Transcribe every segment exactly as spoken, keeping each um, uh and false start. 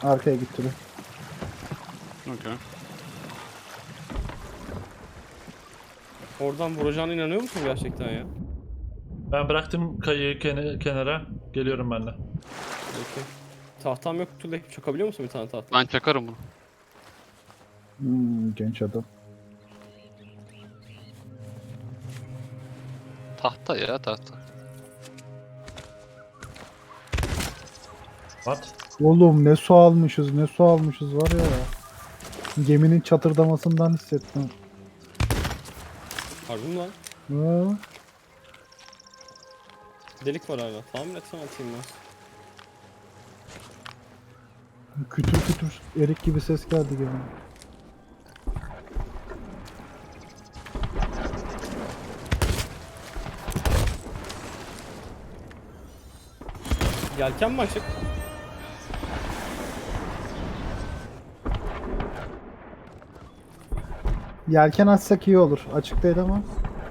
Arkaya gitti bir. Okay. Oradan vuracağına inanıyor musun gerçekten ya? Ben bıraktım kayıyı kene- kenara. Geliyorum ben de. Peki. Tahtam yok, Tülay. Çakabiliyor musun bir tane tahta? Ben çakarım bunu. Hmm, genç adam. Tahta ya tahta. What? Oğlum ne su almışız ne su almışız var ya. Geminin çatırdamasından hissettim. Harbi mi lan? Ha, Delik var hala. Tahmin etsem atayım ben. kütür kütür erik gibi ses geldi geminin. Yelken mi açık? Yelken açsak iyi olur. Açık değil ama.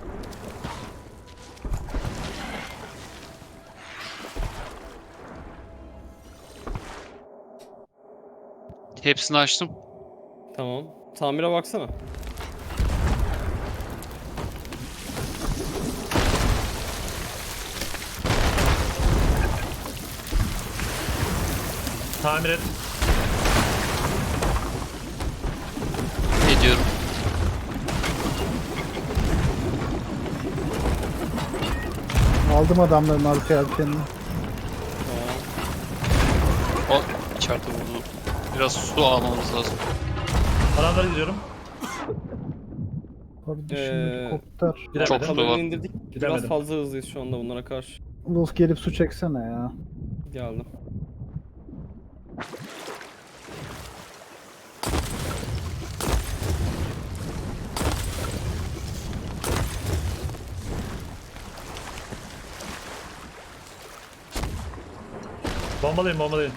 Hepsini açtım. Tamam. Tamire baksana. Tamir et. Ediyorum. Aldım adamların arka yelkenini. Tamam. O içeride vurdu. Biraz su almamız lazım. Adamlara gidiyorum. Kardeşim Ee, helikopter. Gidemedim. Çok su Kamerayı var. indirdik. Biraz Gidemedim. fazla hızlıyız şu anda bunlara karşı. Wolf gelip su çeksene ya. Geldim. Bombalayın bombalayın.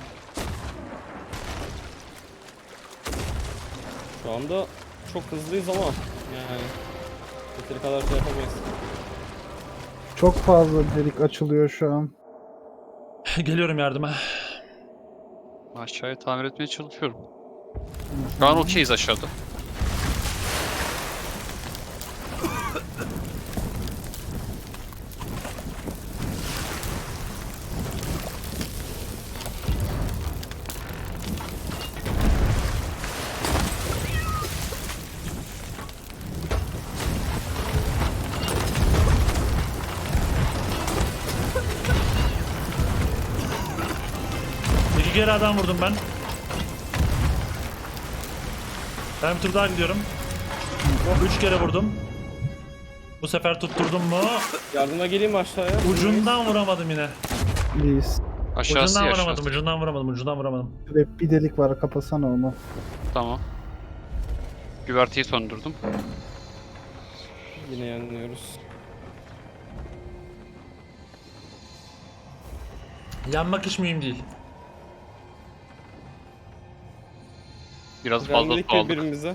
Şu anda çok hızlıyız ama yani yeteri kadar şey yapamayız. Çok fazla delik açılıyor şu an. Geliyorum yardıma. Aşağıya tamir etmeye çalışıyorum. Şu an okeyiz aşağıda. İki kere adam vurdum ben. Ben bir tur daha gidiyorum. Üç kere vurdum. Bu sefer tutturdum mu? Yardıma geleyim mi aşağıya? Ucundan vuramadım yine. Please. Aşağısı Ucundan ya vuramadım, aşağısı. ucundan vuramadım, ucundan vuramadım. Şurada bir delik var, kapasana onu. Tamam. Güverteyi söndürdüm. Yine yanılıyoruz. Yanmak hiç mühim değil. Biraz fazla Vermedik su aldık. birbirimize.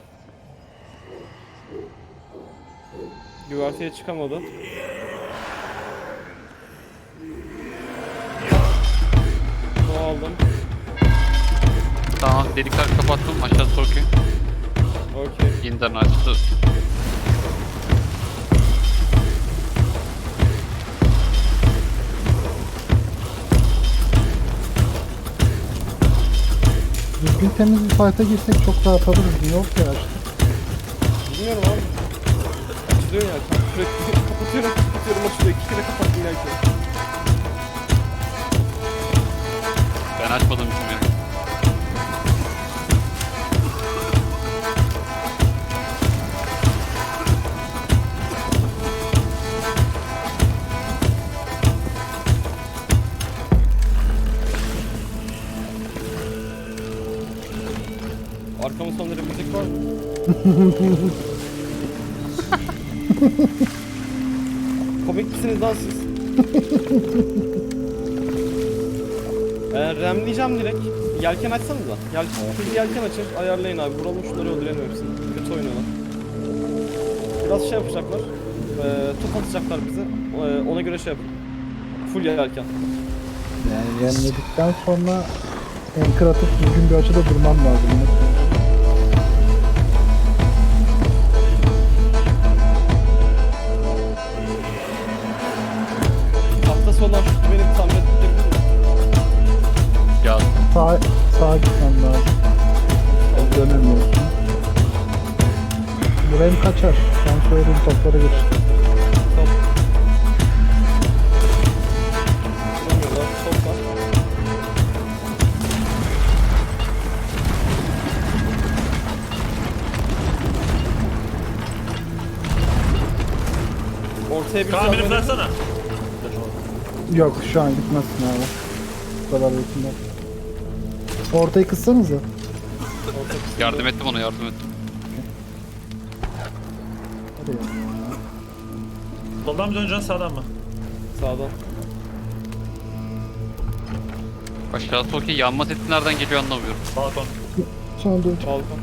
Güverteye çıkamadı. Su aldım. Tamam delikler kapattım. Aşağısı okey. Okey. Yeniden açtı. Düzgün temiz bir fight'a girsek çok rahat alırız. Niye yok ya işte. Bilmiyorum abi. Açılıyor ya. Sürekli kapatıyorum, kapatıyorum, açılıyor. İki kere kapattım belki. Ben açmadım için yani. Arkamın sonları müzik var mı? Komik misiniz lan siz? Ben remleyeceğim direkt. Yelken açsanıza. Yelken, full yelken açın. Ayarlayın abi. Vuralım şunları öldürelim hepsini. Kötü oynuyorlar. Biraz şey yapacaklar. Ee, top atacaklar bize. Ee, ona göre şey yapın. Full yelken. Yani yemledikten sonra Anchor atıp düzgün bir açıda durmam lazım. Hafta sonu şu benim tam ettirebilir mi? Ya Sağ, sağa gitmem lazım. Dönemiyorsun. Buraya kaçar. Ben söylediğim toplara geç. Top. Vuramıyorlar. Top var. Ortaya bir Kaan beni zahmet- bıraksana. Yok şu an gitmezsin abi. Bu kadar yakında. Ortayı kıssanıza. Orta kısmı. yardım ettim ona yardım ettim. Hadi ya. Soldan mı döneceksin sağdan mı? Sağdan. Aşağısı okey. Yanma sesi nereden geliyor anlamıyorum. Balkon. Sonra dön. Balkon.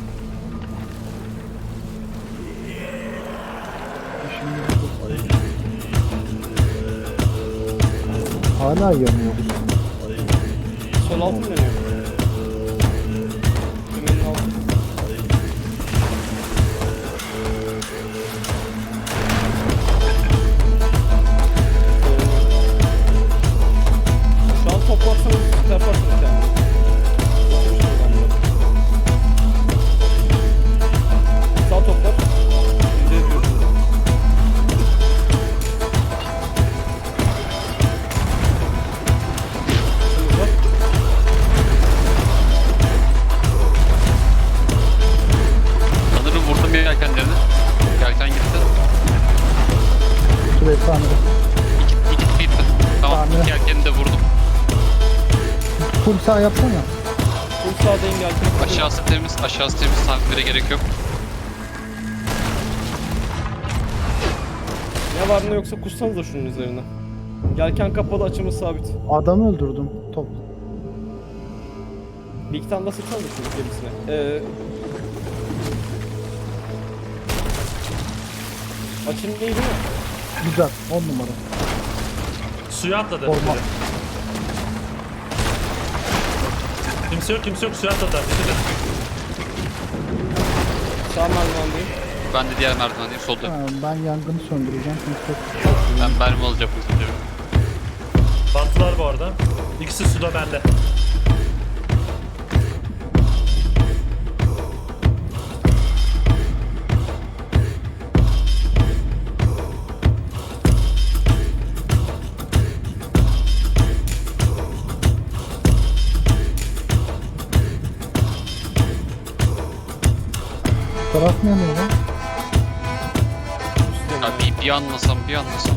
Hala yanıyoruz. Sol altı mı dönüyor? Dümenin altı. Şu an toplarsanız yaparsınız yani. Oturmuş adamlar. Sağ toplar. Yüzde yapıyoruz. Şimdi bak. Sanırım vurdum yelkenlerini. Yelken gitti. Şuraya tamir et. İki, iki gitti. Tamam Tamam. iki yelkeni de vurdum. Full sağ yapsana. Full sağdayım geldim. Aşağısı temiz. Aşağısı temiz. Tamire gerek yok. Ne var ne yoksa kussanız da şunun üzerine. Yelken kapalı, açımız sabit. Adamı öldürdüm. Top. Bir iki tane daha sıksanız da şunun gerisine. Ee... Açım iyi değil mi? Güzel. on numara. Suya atladı. Olmaz. Kimse yok kimse yok suya atladı. Dikkat et. Sağ merdivendeyim. Ben de diğer merdivendeyim. Solda. Ha, ben yangını söndüreceğim. Çünkü çok Ben mermi alacağım. özür dilerim. Battılar bu arada. İkisi suda bende. taraf ne yanıyor lan? Ya bir, bir anlasam bir anlasam.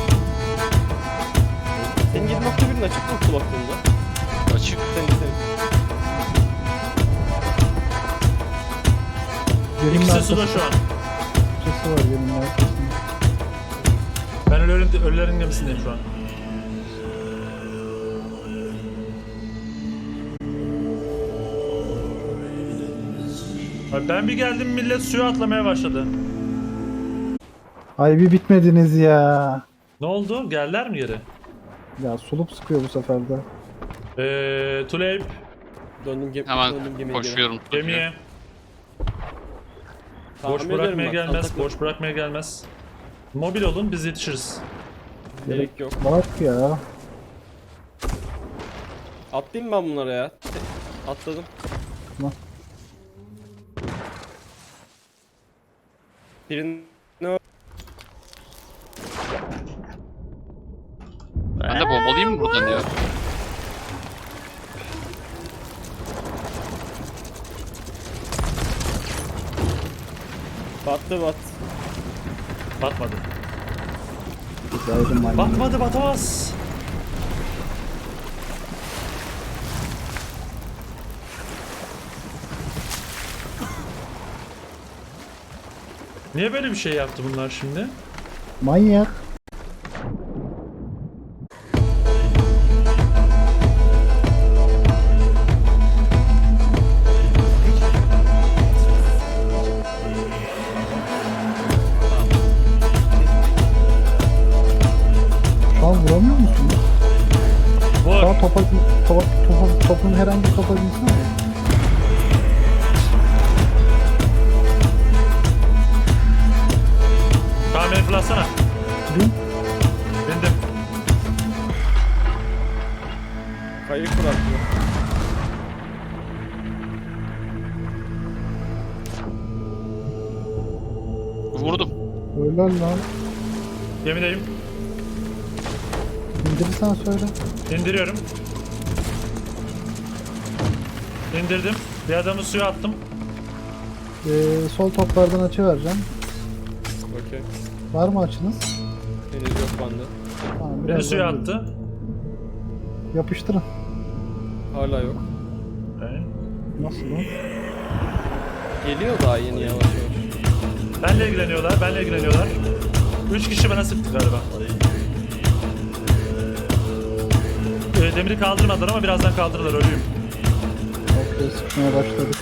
Senin yedi nokta birin açık mı kulaklığında? Açık. Senin senin. Geminin İkisi arkası- suda şu an. Sesi var geminin arkasında. Ben ölülerin, ölülerin gemisindeyim şu an. Abi ben bir geldim millet suya atlamaya başladı. Ay bir bitmediniz ya. Ne oldu? Geldiler mi geri? Ya sulup sıkıyor bu sefer de. Eee Tuleyp Döndüm, gem Hemen döndüm gemiye. koşuyorum. gemiye. Tamam, Boş ederim bırakmaya ben. gelmez, Atakla- boş bırakmaya gelmez. Mobil olun biz yetişiriz. Gerek yok. Bak ya. Atlayayım ben bunlara ya. Atladım. Tamam. Birini Ben de bombalayayım mı buradan ya? battı bat. Batmadı. Güzeldi maymun. Batmadı batamaz. Niye böyle bir şey yaptı bunlar şimdi? Manyak. Şu an vuramıyor musun? Vur. Şu an topa, topa, topa, topun herhangi bir topa binsen fırlatsana. Bin. Bindim. Kayık bırakıyor. Vurdum. Öyle lan. Gemideyim. İndirirsen söyle. İndiriyorum. İndirdim. Bir adamı suya attım. Ee, sol toplardan açı vereceğim. Okey. Var mı açınız? Henüz yok bende. Tamam, Beni birazdan suya gelir. attı. Yapıştırın. Hala yok. Okay. Nasıl lan? Geliyor daha yeni yavaş yavaş. Benle ilgileniyorlar, benle ilgileniyorlar. Üç kişi bana sıktı galiba. Ee, demiri kaldırmadılar ama birazdan kaldırırlar, ölüyüm. Okey, sıkmaya başladık.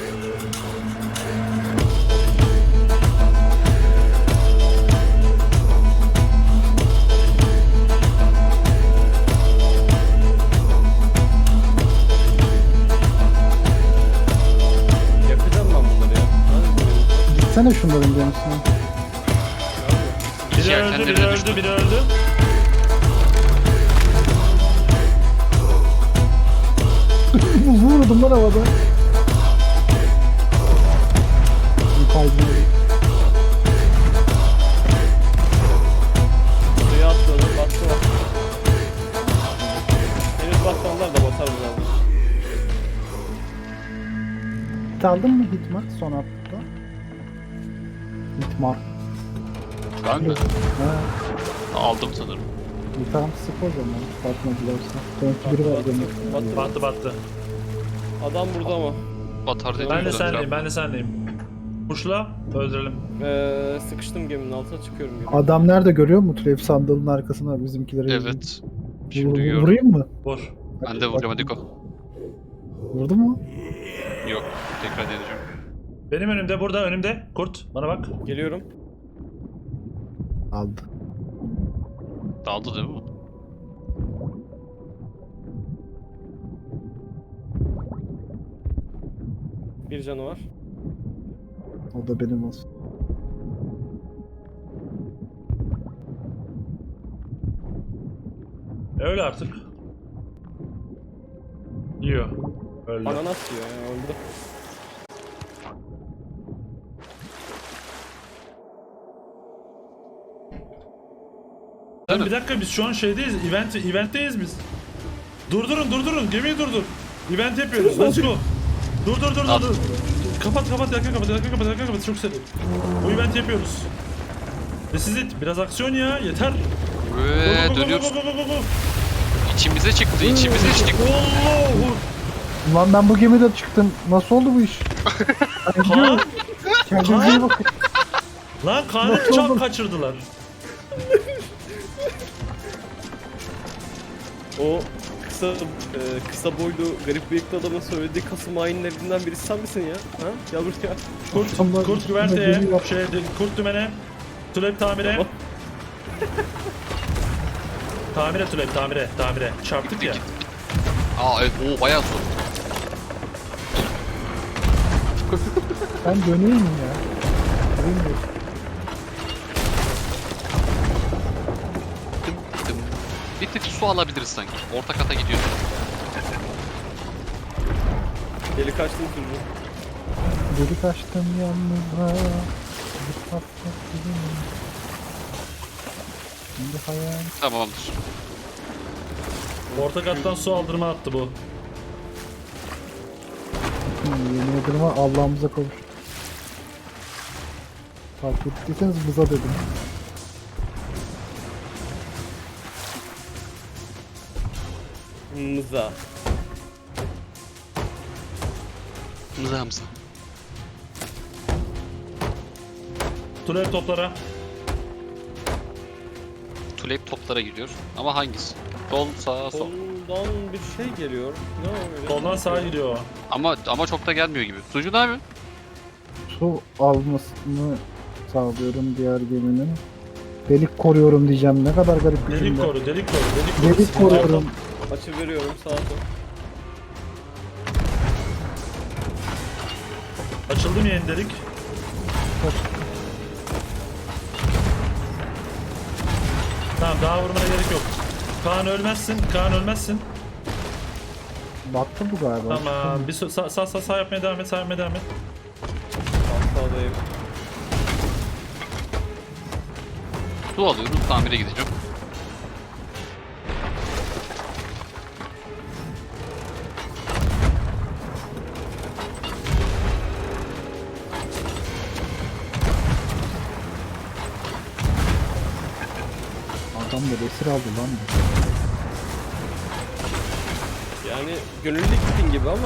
Yakacağım ben bunları ya. Hadi gidelim. Gitsene şunların gemisine. Biri öldü, Yelkenleri biri de öldü, düştü. biri öldü. Vurdum lan havada. Bir kaybını. Suya atladım. Battı var. Henüz batmadılar da batar birazdan. Hit aldın mı Hitmark son hafta? Hitmark. Ben mi? Ha, Aldım sanırım. bir tane sık o zaman. Batmadılarsa. Belki biri var Battı, benim. battı, battı. Battı battı. Adam burada ama. Batar dedim. Ben de zaten. senleyim, ben de senleyim. Kuşla, öldürelim. Ee, sıkıştım geminin altına çıkıyorum gibi. Adam nerede görüyor mu? Türev sandalının arkasına bizimkileri. Evet. Vur- Şimdi gördüm. Vurayım mı? Vur. Ben de vuracağım, hadi go. Vurdu mu? Yok. Tekrar deneyeceğim. Benim önümde, burada önümde. Kurt, bana bak. Geliyorum. Aldı. Daldı değil mi? Bir canı var. O da benim olsun. Öyle artık. Yiyor. Öldü. Ananas yiyor ya öldü. Lan bir dakika, biz şu an şeydeyiz, event, eventteyiz biz. Durdurun, durdurun, gemiyi durdur. Event yapıyoruz, let's go. Dur dur dur dur. dur. Kapat kapat, yakın kapat, yakın kapat, yakın kapat, çok seri. Bu event yapıyoruz. Ve siz biraz aksiyon ya, yeter. Ve Go, go, go, dönüyoruz. go, go, go, go. İçimize çıktı, içimize çıktı. Allahu. Ulan ben bu gemide çıktım. Nasıl oldu bu iş? Kaan, Kendinize iyi bakın. lan Kaan'ı Nasıl çap oldu? kaçırdılar. O kısa e, kısa boylu garip bıyıklı adamın söylediği Kasım hainlerinden birisi sen misin ya? Ha? Gel buraya. Kurt, Allah kurt üstüme güverteye, geliyor. şey, kurt dümene, tülep tamire. Tamam. Tamire tülep, tamire, tamire. Çarptık ya. Aa evet, o bayağı zor. Ben döneyim mi ya? Bilmiyorum. Dım dım. Bir tık su alabiliriz sanki. Orta kata gidiyoruz. Deli kaçtın sürücü. Delik açtım yalnızca. Bir patlat gibi. Şimdi hayal. Tamamdır. Orta kattan su aldırma attı bu. Hmm, yemin ederim ha, Allah'ımıza kavuştuk. Fark ettiyseniz bıza dedim. Mıza. Mıza mıza. Tülep toplara. Tulip toplara gidiyor. Ama hangisi? Sol, sağ, sol. Soldan bir şey geliyor. Ne o öyle? Soldan sağa gidiyor o. Ama ama çok da gelmiyor gibi. Sucu ne yapıyorsun? Su almasını sağlıyorum diğer geminin. Delik koruyorum diyeceğim. Ne kadar garip bir Delik cümle. koru, delik koru, delik koru. Delik koruyorum. Açı veriyorum sağa sol. Açıldı mı yeni delik? Daha vurmana gerek yok. Kaan ölmezsin. Kaan ölmezsin. Battı bu galiba. Tamam. Bir so- sağ, sağ sağ sağ yapmaya devam et. Sağ yapmaya devam et. Sağdayım. Su alıyorum, tamire gideceğim. Adam da esir aldı lan. Yani gönüllü gittin gibi ama.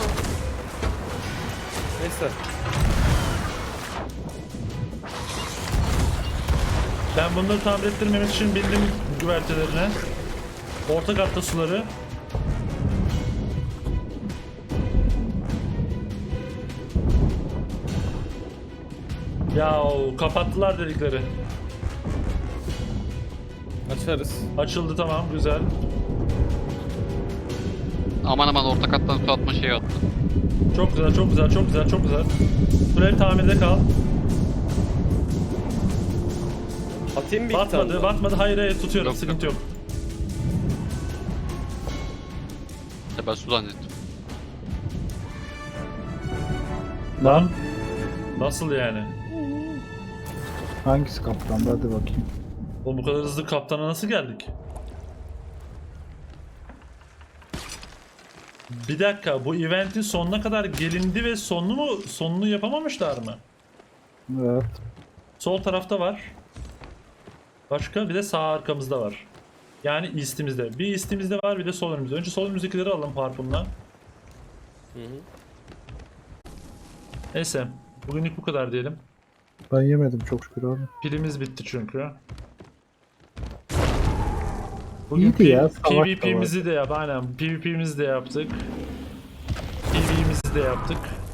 Neyse. Ben bunları tamir ettirmemek için bindim güvertelerine. Orta katta suları. Ya kapattılar delikleri. Açarız. Açıldı, tamam, güzel. Aman aman orta kattan su atma şeyi attı. Çok güzel, çok güzel, çok güzel, çok güzel. Sürekli tamirde kal. Atayım bir iki tane Batmadı, daha. batmadı. Hayır hayır, tutuyorum, Yok, sıkıntı yok. Ya ben su zannettim. Lan. Nasıl yani? Hangisi kaptandı hadi bakayım. Oğlum bu kadar hızlı kaptana nasıl geldik? Bir dakika, bu eventin sonuna kadar gelindi ve sonunu mu sonunu yapamamışlar mı? Evet. Sol tarafta var. Başka bir de sağ arkamızda var. Yani east'imizde. Bir east'imizde var, bir de sol önümüzde. Önce sol önümüzdekileri alalım harpunla. Hı hı. Neyse, bugünlük bu kadar diyelim. Ben yemedim çok şükür abi. Pilimiz bitti çünkü. Bugün İyiydi ya, savaş da PvP'mizi de yap, aynen. PvP'mizi de yaptık. PvE'mizi de yaptık.